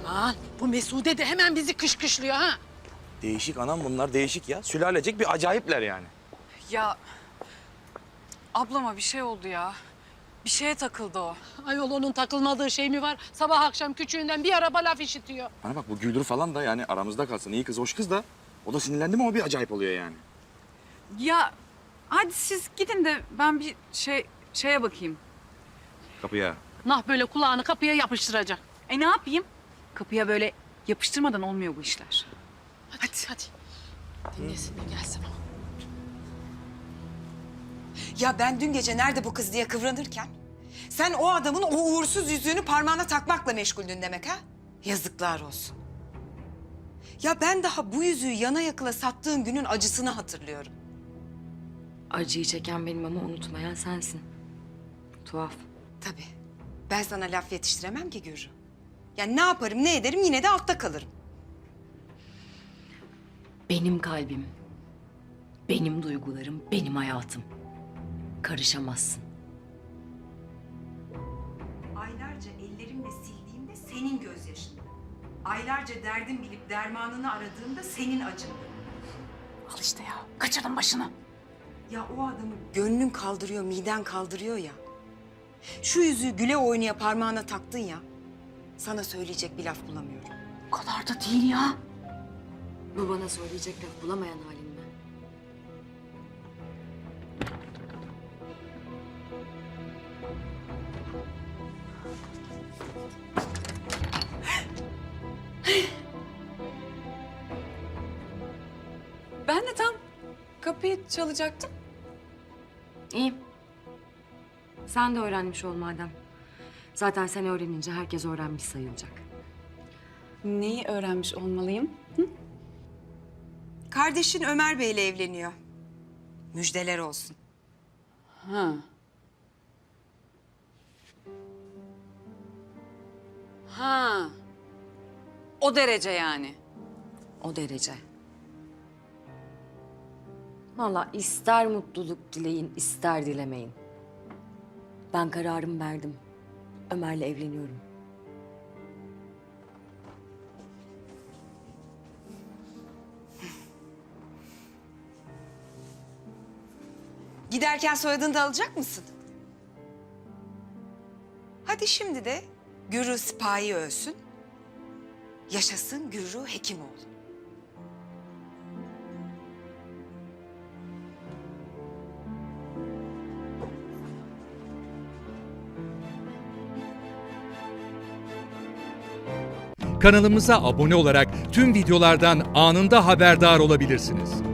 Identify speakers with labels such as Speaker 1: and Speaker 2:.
Speaker 1: Aman bu Mesude de hemen bizi kışkışlıyor ha.
Speaker 2: Değişik anam bunlar değişik ya. Sülalecek bir acayipler yani.
Speaker 3: Ya ablama bir şey oldu ya. Bir şeye takıldı o.
Speaker 1: Ayol onun takılmadığı şey mi var? Sabah akşam küçüğünden bir araba laf işitiyor.
Speaker 2: Bana bak bu Güldür falan da yani aramızda kalsın. İyi kız, hoş kız da. O da sinirlendi mi o bir acayip oluyor yani.
Speaker 3: Ya hadi siz gidin de ben bir şeye bakayım.
Speaker 2: Kapıya.
Speaker 1: Nah böyle kulağını kapıya yapıştıracak.
Speaker 3: Ne yapayım? Kapıya böyle yapıştırmadan olmuyor bu işler.
Speaker 1: Hadi. Dinlesin de gelsin o.
Speaker 4: Ya ben dün gece nerede bu kız diye kıvranırken... ...sen o adamın o uğursuz yüzüğünü parmağına takmakla meşguldün demek ha? Yazıklar olsun. Ya ben daha bu yüzüğü yana yakıla sattığın günün acısını hatırlıyorum.
Speaker 5: Acıyı çeken benim ama unutmayan sensin. Tuhaf.
Speaker 4: Tabii. Ben sana laf yetiştiremem ki Gürrü. Yani ne yaparım ne ederim yine de altta kalırım.
Speaker 5: Benim kalbim, benim duygularım, benim hayatım. Karışamazsın.
Speaker 4: Aylarca ellerimle sildiğimde senin gözyaşındı. Aylarca derdim bilip dermanını aradığımda senin acındı.
Speaker 1: Al işte ya. Kaçırdın başını.
Speaker 4: Ya o adamı gönlün kaldırıyor, miden kaldırıyor ya. Şu yüzüğü güle oynaya parmağına taktın ya. Sana söyleyecek bir laf bulamıyorum.
Speaker 1: O kadar da değil ya.
Speaker 5: Bu bana söyleyecek laf bulamayan halim mi?
Speaker 3: Ben de tam kapıyı çalacaktım.
Speaker 5: İyi. Sen de öğrenmiş ol madem. Zaten sen öğrenince herkes öğrenmiş sayılacak.
Speaker 3: Neyi öğrenmiş olmalıyım?
Speaker 4: Kardeşin Ömer Bey'le evleniyor. Müjdeler olsun.
Speaker 3: Ha. Ha. O derece yani.
Speaker 5: O derece. Vallahi ister mutluluk dileyin, ister dilemeyin. Ben kararımı verdim. Ömer'le evleniyorum.
Speaker 4: Giderken soyadını da alacak mısın? Hadi şimdi de Gürrü Sipahi ölsün. Yaşasın Gürrü Hekimoğlu.
Speaker 6: Kanalımıza abone olarak tüm videolardan anında haberdar olabilirsiniz.